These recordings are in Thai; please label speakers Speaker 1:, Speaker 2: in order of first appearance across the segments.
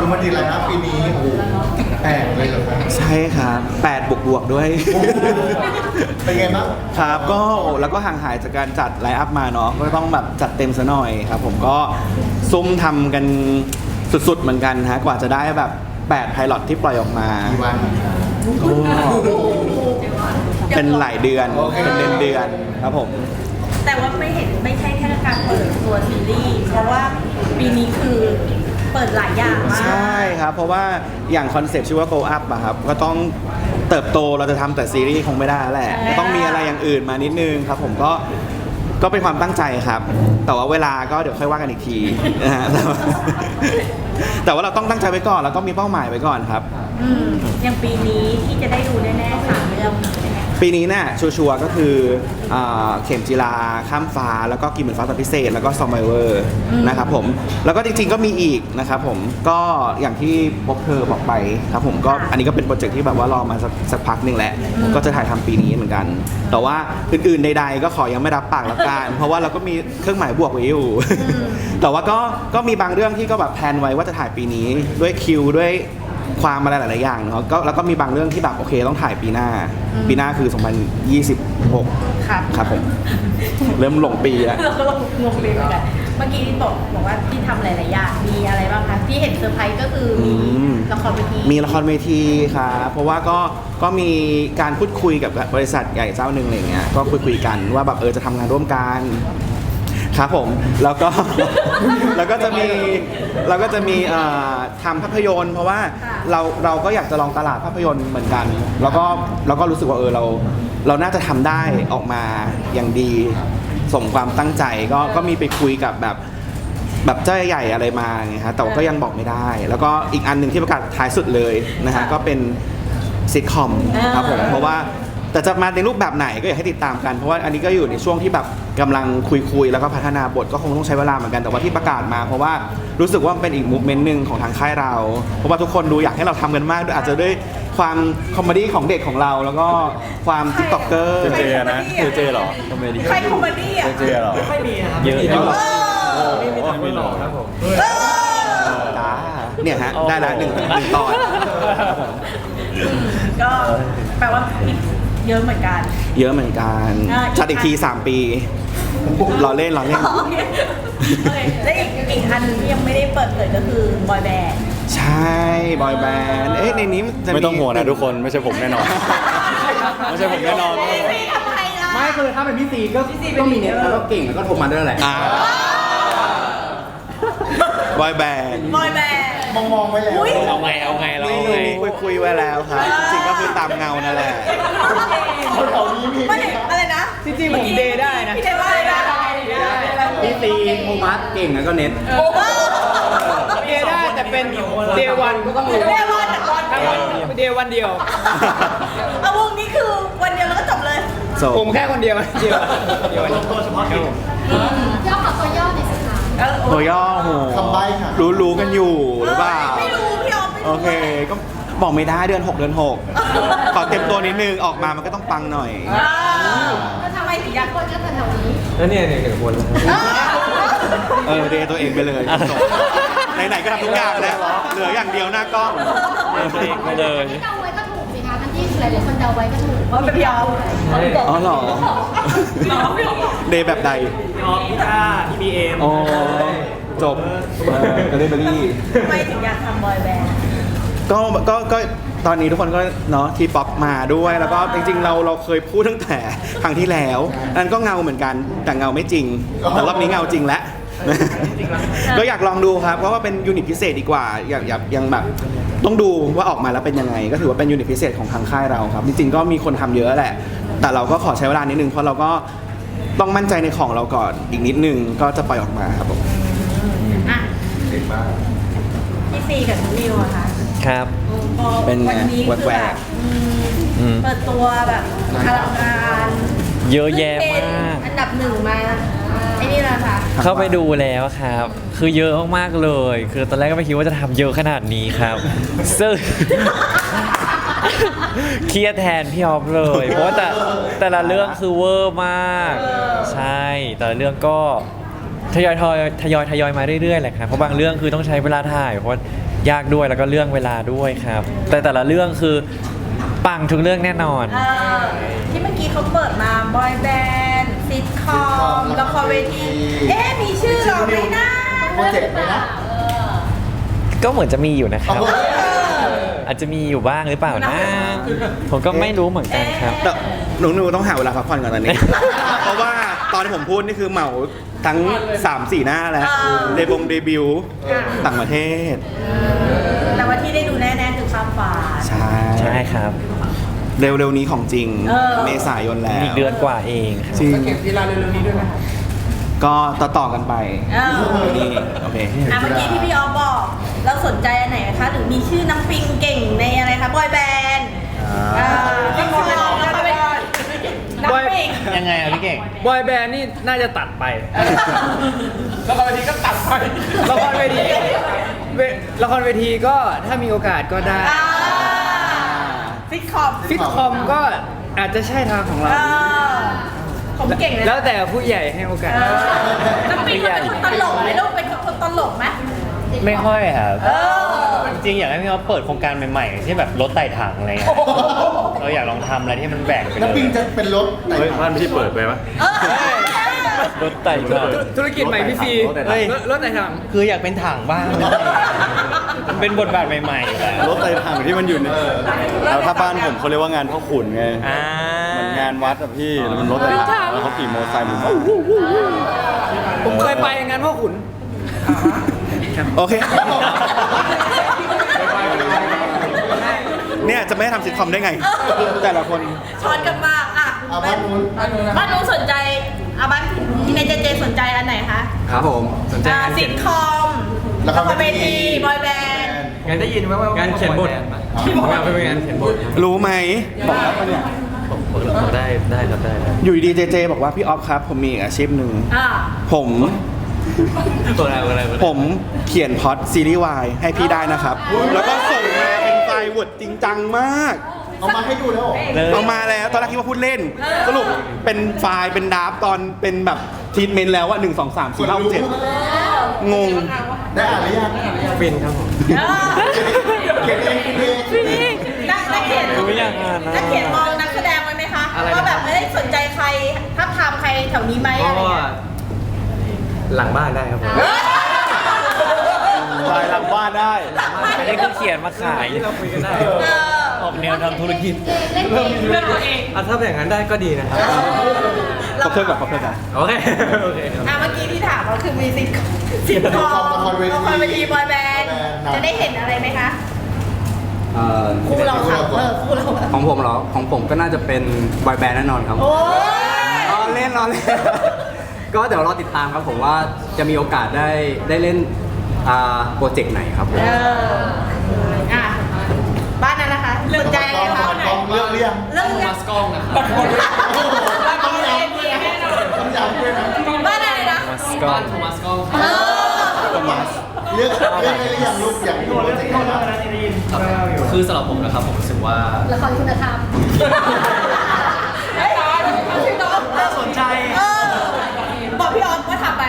Speaker 1: คือมันดีแล้วนะปีนี้โอ้โห8เลยเหรอครับ
Speaker 2: ใช่ครับ8บวกด้วย
Speaker 1: เป็นไงบ้าง
Speaker 2: ครับก็แล้วก็ห่างหายจากการจัดไลฟ์อัพมาเนาะก็ต้องแบบจัดเต็มซะหน่อยครับผมก็ซุ่มทำกันสุดๆเหมือนกันฮะกว่าจะได้แบบ8ไพลอตที่ปล่อยออกมา
Speaker 1: กี่วัน
Speaker 2: เป็นหลายเดือน
Speaker 1: โอเค
Speaker 2: เป็นเดือนๆครับผม
Speaker 3: แต่ว่าไม่ใช่แค่การเปิดตัวซีรีส์เพราะว่าปีนี้คือเปิดหลายอย่างมาก
Speaker 2: ใช่ครับ เพราะว่าอย่างคอนเซ็ปต์ชื่อว่า Go Up อะครับก็ต้องเติบโตเราจะทำแต่ซีรีส์คงไม่ได้แล้วแหละก็ต้องมีอะไรอย่างอื่นมานิดนึงครับผมก็เป็นความตั้งใจครับ แต่ว่าเวลาก็เดี๋ยวค่อยว่ากันอีกทีนะฮ ะแต่ว่าเราต้องตั้งใจไว้ก่อนเราต้องมีเป้าหมายไว้ก่อนครับ
Speaker 3: อย่างปีนี้ที่จะได้ดูแน่ๆ3 เรื่องใช่ไหม
Speaker 2: ปีนี้เนี่ยชัวร์ๆก็คือเข็มจีราข้ามฟ้าแล้วก็กินเหมือนฟ้าตอนพิเศษแล้วก็ซอมไบเวอร์นะครับผมแล้วก็จริงๆก็มีอีกนะครับผมก็อย่างที่พบเธอบอกไปครับผมก็อันนี้ก็เป็นโปรเจกต์ที่แบบว่ารอมาสักพักหนึ่งแหละก็จะถ่ายทำปีนี้เหมือนกัน แต่ว่าอื่นๆใดๆก็ขอยังไม่รับปากละกันเพราะว่าเราก็มีเครื่องหมายบวกไว้อยู่ แต่ว่าก็มีบางเรื่องที่ก็แบบแพลนไว้ว่าจะถ่ายปีนี้ด้วยคิวด้วยความอะไรหลายๆอย่างเนาะก็แล้วก็มีบางเรื่องที่แบบโอเคต้องถ่ายปีหน้าคือ 2026
Speaker 3: ครับ
Speaker 2: ครับผม เริ่มหลงปีแล้ว
Speaker 3: เราก็ลงงงเลยเหมือนกันเมื่อกี้ที่บอกว่าที่ทำหลายๆอย่างมีอะไรบ้างคะที่เห็นเซอร์ไพรส์ก็คือมีละครเวที
Speaker 2: มีละครเวทีครับเพราะว่าก็มีการพูดคุยกับบริษัทใหญ่เจ้าหนึ่งอะไรเงี้ยก็คุยกันว่าแบบจะทำงานร่วมกันครับผมแล้วก็ แล้วก็จะมีทำภาพยนตร์เพราะว่าเราก็อยากจะลองตลาดภาพยนตร์เหมือนกัน แล้วก็รู้สึกว่าเราน่าจะทำได้ออกมาอย่างดีสมความตั้งใจก็มีไปคุยกับแบบเจ้าใหญ่อะไรมาไงฮะแต่ว่าก็ยังบอกไม่ได้ แล้วก็อีกอันหนึ่งที่ประกาศท้ายสุดเลยนะฮะก็เป็นซิทคอมครับผมเพราะว่าแต่จะมาในรูปแบบไหนก็อยากให้ติดตามกันเพราะว่าอันนี้ก็อยู่ในช่วงที่แบบกำลังคุยแล้วก็พัฒนาบทก็คงต้องใช้เวลาเหมือนกันแต่ว่าที่ประกาศมาเพราะว่ารู้สึกว่าเป็นอีกมูฟเมนต์หนึ่งของทางค่ายเราเพราะว่าทุกคนดูอยากให้เราทำกันมากด้วยอาจจะด้วยความคอมเมดี้ของเด็กของเราแล้วก็ความติ๊กต็อกเกอร์
Speaker 4: เจนะเจหรอคอมเมดี้
Speaker 3: ใครคอมเมดี้อ่ะ
Speaker 4: เจหรอไม่มีนะครับเยอะเยอะไม่มีหรอกครับผม
Speaker 2: จ้าเนี่ยฮะได้แล้วหนึ่งตอน
Speaker 3: ก็แปลว่าอีกเยอะเหมือนกัน
Speaker 2: เยอะเหมือนกัน จัดอีกที 3 ปีรอเล่น
Speaker 3: โอเคและอีกอันหนึงที่ยังไม่ได้เปิดเผยก็คือบอยแบนด์
Speaker 2: ใช่บอยแบนด์ในนี้จะ
Speaker 4: ไม่ต้องห่วงนะทุกคนไม่ใช่ผมแน่นอน ไม่ใช่ผมแน่นอน
Speaker 3: ทำไมล่ะ
Speaker 5: ไม่คือถ้าเป็นพี่ซีก็มีเน็ตแล้วก็เก่งแล้วก็โทรมาด้วยแหละ
Speaker 2: บอยแบนด์
Speaker 3: บอยแบนด์
Speaker 1: มองไว้แล้ว
Speaker 3: อุ๊ย
Speaker 4: เอาไงเราเอาไง
Speaker 2: คุยไว้แล้วครับ จริงๆก็คือตามเงานั่นแหละ
Speaker 3: ไม่อะไรนะ
Speaker 5: จริงๆผมเดย์ได้นะ
Speaker 3: พี่เดย์ว่าอะไรนะ
Speaker 5: พี่ซีโทมัสเก่งแล้วก็เน็ต
Speaker 3: โอ้โห
Speaker 5: เดย์ได้แต่เป็นเดย์วันก็ต้องรู้
Speaker 3: เดย์วันอะวันเดียว
Speaker 5: เดย์วันเดียว
Speaker 3: เอาวงนี้คือวันเดียวแล้วก็จบเลย
Speaker 2: So
Speaker 5: ผมแค่คนเดียวเดียวตัวเฉพาะกิจ
Speaker 6: ย่อขอตัวย่อหน่อยสิคะ
Speaker 2: ตัวย่อโห
Speaker 1: คำใบ้ค่ะ
Speaker 2: รู้กันอยู่หรือเปล่า
Speaker 3: ไม่รู้พี่ออฟไม่รู้
Speaker 2: โอเค ก็บอกไม่ได้เดือน 6 เดือน 6 ขอเต็มตัวนิดนึงออกมามันก็ต้องปังหน่อย
Speaker 3: แล้วทำไมถึงอยาก
Speaker 6: คนก็แถวๆนี้
Speaker 5: แล้วเนี่ยหนึ่งคน
Speaker 2: เดย์ตัวเองไปเลยจบไหนๆก็ทำทุกอย่างแล้ว เหลืออย่างเดียวหน้ากล้อง
Speaker 4: ตัวเองไปเลย
Speaker 6: ที่เดาไว้ก็ถูกสิคะทั้งที่หลายๆคนเดาไว้ก็ถูก
Speaker 3: ว่าเป็นพี่ออฟ
Speaker 2: อ๋อเหรอ เดย์แบบใด
Speaker 5: พี่ออฟพี่ต้าพี่บีเอ็ม
Speaker 2: อ๋อจบก็ได้เบอรี่
Speaker 3: ทำไมถึงอยากทำบอยแบนด์
Speaker 2: ก็ตอนนี้ทุกคนก็เนาะทีป๊อปมาด้วยแล้วก็จริงๆเราเคยพูดตั้งแต่ครั้งที่แล้วนั่นก็เงาเหมือนกันแต่เงาไม่จริงแต่รอบนี้เงาจริงแล้ว ก็อยากลองดูครับเพราะว่าเป็นยูนิตพิเศษดีกว่าอยากยังแบบต้องดูว่าออกมาแล้วเป็นยังไง ก็ถือว่าเป็นยูนิตพิเศษของทางค่ายเราครับจริงๆก็มีคนทำเยอะแหละ แต่เราก็ขอใช้เวลานิดนึงเพราะเราก็ต้องมั่นใจในของเราก่อนอีกนิดนึงก็จะปล่อยออกมาครับผม
Speaker 3: อ่ะพี่ซีกับน้องนิวอะค่ะ
Speaker 4: ครับ
Speaker 3: พอ
Speaker 2: เป็นไง
Speaker 3: วันนี้คือ
Speaker 2: แหว
Speaker 3: แบบ
Speaker 2: ก
Speaker 3: เปิดตัวแบบอลังการ
Speaker 4: เยอะแยะมาก
Speaker 3: อันดับหนึ่งมาไอ้นี่แหละค่ะ
Speaker 4: เข้าไปดูแล้วครับ คือเยอะมากๆเลย คือตอนแรกก็ไม่คิดว่าจะทำเยอะขนาดนี้ครับ ซึ่ง เครียดแทนพี่ออฟเลย เพราะว่าแต่ละเรื่องคือเวอร์มาก ใช่ แต่ละเรื่องก็ทยอยมาเรื่อยๆแหละครับ เพราะบางเรื่องคือต้องใช้เวลาถ่าย เพราะยากด้วยแล้วก็เรื่องเวลาด้วยครับ แต่ละเรื่องคือปังทุกเรื่องแน่นอน
Speaker 3: ที่เมื่อกี้เขาเปิดมาบอยแบนด์ซิทคอมละครเวทีมีชื่อเราไหมนะ
Speaker 1: โปรเจกต์ไหมนะ
Speaker 4: ก็เหมือนจะมีอยู่นะครับ อาจจะมีอยู่บ้างหรือเปล่านะ ผมก็ไม่รู้เหมือนกันครับ
Speaker 2: แต่หนูต้องหาเวลาพักผ่อนก่อนตอนนี้ เพราะว่าตอนที่ผมพูดนี่คือเหมาทั้ง 3-4 หน้าแล้วเดบิวต์ต่างประเทศ
Speaker 3: แต่ว่าที่ได้ดูแน่ๆคือความฝัน
Speaker 2: ใช่
Speaker 4: ใช่ครับ
Speaker 2: เร็วๆนี้ของจริง เมษายนแล้ว
Speaker 4: อีกเดือนกว่าเองครับ
Speaker 2: จริงก็ต่อกันไปนี่โอเค
Speaker 3: เมื่อกี้ที่พี่ออฟบอก เราสนใจอันไหนคะหรือมีชื่อน้ำปิงเก่งในอะไรคะบอยแบนด์พี่มองแล้วก็เป็นน้ำปิง
Speaker 5: ยังไงอะพี่เก่ง
Speaker 7: บอยแบนด์นี่น่าจะตัดไป
Speaker 5: แล้วก็วันนี้ก็ตัดไป
Speaker 7: ละครเวทีละครเวทีก็ถ้ามีโอกาสก็ได้
Speaker 3: ซิทคอม
Speaker 7: ซิทคอมก็อาจจะใช่ทางของเรา
Speaker 3: ผมเก่งเลย
Speaker 7: แล้วแต่ผู้ใหญ่ให้โอกาส
Speaker 3: น้ำปิงมันเป็นคนตลกไหมลูกเป็นคนตลกไหม
Speaker 5: ไม่ค่อยครับ จริงๆอยากให้พี่เขาเปิดโครงการใหม่ๆที่แบบรถไต่ถังอะไรเงี้ยเราอยากลองทำอะไรที่มันแบกไปเล
Speaker 1: แล้วปิง
Speaker 5: ย
Speaker 1: จะเป็นรถไหน
Speaker 8: บ้านพี่เปิดไปปะ
Speaker 4: รถไต่ถัง
Speaker 7: ธุรกิจใหม่พี่ซี
Speaker 5: เฮ้ย
Speaker 7: รถไหนทาง
Speaker 5: คืออยากเป็นถังบ้างมันเป็นบทบาทใหม่ๆอยู่แล้ว
Speaker 8: รถไต่ถังที่มันอยู่ในแล้วถ้าบ้านผมเขาเรียกว่างานพ่อขุนไง
Speaker 5: อ่า
Speaker 8: มันงานวัดอะพี่แล้วมันรถไต่ถังแล้วเขาขี่มอเตอร์ไซค์ผม
Speaker 7: ผมเคยไปงานพ่อขุน
Speaker 2: โอเค เนี่ยจะไม่ทำซิทคอมได้ไง แต่ละคน
Speaker 3: ช้อนกันมากบ้านนู้นสนใจบ้านในเจสนใจอันไหนคะ
Speaker 7: ครับผมสนใจ
Speaker 3: ซิทคอมละครเวทีบอยแบนด์
Speaker 7: งานได้ยินไหมว่างานเขียนบทที่บอกว่าเป็นงานเขียนบท
Speaker 2: รู้ไหมบอกแล้วปะเนี่ย
Speaker 4: ได้ครับได้
Speaker 2: อยู่ดีๆเจบอกว่าพี่ออฟครับ ผมมีอีกอาชีพหนึ่งผมเขียนพล็อตซีรีส์วายให้พี่ได้นะครับ แล้วก็ส่งมาเป็นไฟล์วอร์ดจริงจังมาก
Speaker 1: เอามาให้ดูแล้วเหรอ
Speaker 2: เอามาแล้วตอนแรกคิดว่าพูดเล่น สรุปเป็นไฟล์เป็นดราฟตอนเป็นแบบทีทเมนต์แล้วว่า1 2 3 4 5 7งง
Speaker 1: ได้อ่านหรือยัง
Speaker 7: ฟินครับผม
Speaker 1: เขียนเองคิดเอง
Speaker 3: นักเขียน
Speaker 4: ไม่อยากอ่านนะ
Speaker 3: นักเขียนมองนักแสดงไว้ไหมคะว่าแบบสนใจใครทับทามใครแถวนี้ไหมอะไร
Speaker 7: ก็
Speaker 3: เงี้ย
Speaker 7: หลังบ้านได้ครับผม
Speaker 2: ไฟล์หลังบ้านได้
Speaker 4: อันนี้คือเขียนมาขาย
Speaker 7: ที่เราคุยกันได้
Speaker 5: ออกแนวทำธุรกิจ
Speaker 6: เล่นเอง
Speaker 3: เรื่องตัวเอง
Speaker 7: ถ้าเป็นอย่างนั้นได้ก็ดีนะครับ
Speaker 2: ขอบเพื่อนก่อนขอบเพื่อนก่อน
Speaker 7: โอเคโอเคครับ
Speaker 3: เมื่อกี้ที่ถามก็คือมีซิทคอมละครเวทีบอยแบนด์จะได้เห็นอะไรไหมคะคู่เราค่ะคู่เรา
Speaker 9: ของผมเหรอ ของผมก็น่าจะเป็นบอยแบนด์แน่นอนครับ
Speaker 3: โอ้ย
Speaker 9: รอเล่น ก็เดี๋ยวรอติดตามครับผมว่าจะมีโอกาสได้เล่นโปรเจกต์ไหนครับผม
Speaker 3: บ้านนั้นนะคะสนใจอะไรคะ
Speaker 1: กองเรื่องเรียง
Speaker 3: เรื่องมัสกองนะคะบ้านคนต้องย้ำด้วยนะบ้านอะไรนะ
Speaker 4: มัสกอน
Speaker 1: เรื่องอะไรหรือยังลูกอยากดูโปรเจกต์ไหนบ้าง
Speaker 9: คือสำหรับผมนะครับผมรู้สึกว่า
Speaker 6: ละครคุณธรรม
Speaker 3: น่าสนใจบอกพี่ออฟว่าทำไป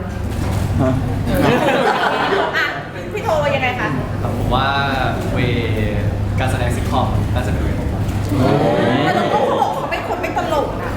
Speaker 3: พี่โทรยังไงคะ
Speaker 9: ผมว่าเวการแสดงซิทคอมน่าจะเป็นเวของผม
Speaker 3: แต่ลูกเขาบอกเขาเป็นคนไม่ตลกนะ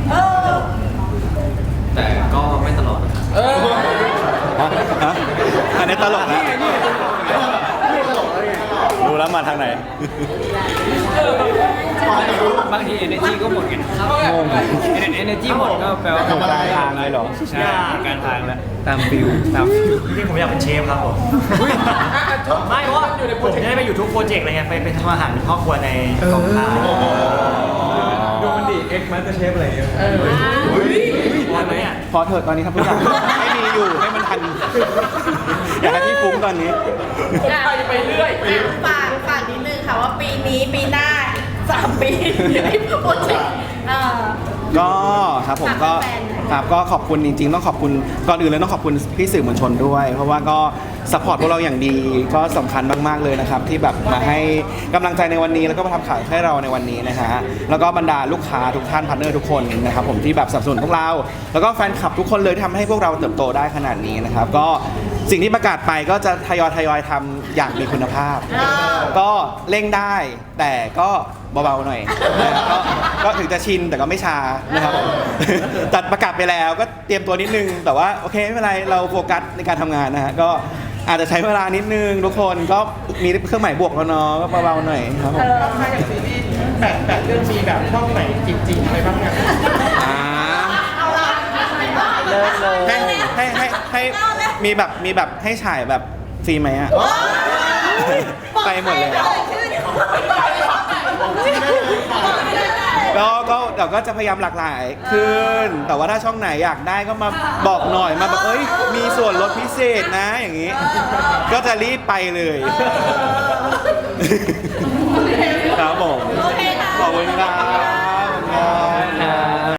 Speaker 9: แต่ก็ไม่ตลอดนะครับ
Speaker 2: ฮะอันนี้ตลกนะ
Speaker 8: ดูแล้วมาทางไหน
Speaker 7: บางที energy ก็หมดไงenergy หมดก็แปลว่า
Speaker 1: ทำอะไร
Speaker 2: ทางเลยเหรอ
Speaker 5: ใช่การทางแล้ว
Speaker 7: ตามฟิลตามฟิล
Speaker 5: จริงๆผมอยากเป็นเชฟครับผมไม่เพราะว่าผมจะได้ไปอยู่ทุกโปรเจกต์อะไรเงี้ยไปทำอาหารเป็นครอบครัวในกองถ่าย
Speaker 7: ดูมันดิเอ็กมาสเตอร์เชฟอะไรอย่างเงี้ย
Speaker 5: วันนี้
Speaker 2: พอเถอะตอนนี้ทำทุกอย่างให้มีอยู่ให้มันทัน อยากให้พี่ฟุ้งตอนนี้
Speaker 3: ไปเรื่อยฝากนิดนึงค่ะว่าปีนี้ปีหน้า3 ปีที่โปรเจกต์
Speaker 2: ก็ครับผมก็
Speaker 3: ฝากแฟนๆหน่อย
Speaker 2: ครับก็ขอบคุณจริงๆต้องขอบคุณก่อนอื่นเลยต้องขอบคุณพี่สื่อมวลชนด้วย เพราะว่าก็สปอร์ตพวกเราอย่างดีก็สำคัญมากๆเลยนะครับที่แบบมาให้กำลังใจในวันนี้แล้วก็มาทำข่าวให้เราในวันนี้นะฮะแล้วก็บรรดาลูกค้าทุกท่านพาร์ทเนอร์ทุกคนนะครับผมที่แบบสนับสนุนพวกเรา แล้วก็แฟนคลับทุกคนเลยที่ทำให้พวกเราเติบโตได้ขนาดนี้นะครับก็สิ่งที่ประกาศไปก็จะทยอยทำอย่างมีคุณภาพ ก็เร่งได้แต่ก็เบาๆหน่อยนะครับก็ถึงจะชินแต่ก็ไม่ชานะครับผม จัดประกาศไปแล้วก็เตรียมตัวนิดนึง แต่ว่าโอเคไม่เป็นไรเราโฟกัสในการทำงานนะฮะก็อาจจะใช้เวลานิดนึงทุกคนก็มีเครื่องหมายบวกแล้วเนาะก็เบาๆหน่อยครับผม
Speaker 7: ถ้าอย่างซีรีส์แบบเรื่องมีแบบช่องไหนจริงๆอะไรบ้างเนี่ย
Speaker 2: อ่า
Speaker 4: เลิศเลย
Speaker 2: ให้มีแบบให้ฉายแบบฟรีไหมอะไปหมดเลย ก็เดี๋ยวก็จะพยายามหลากหลายขึ้น แต่ว่าถ้าช่องไหนอยากได้ก็มาบอกหน่อยมาแบบเอ้ยมีส่วนลดพิเศษนะอย่างนี้ ก็จะรีบไปเลยครับผม
Speaker 3: โอเคค่ะ
Speaker 2: ขอบคุณครับ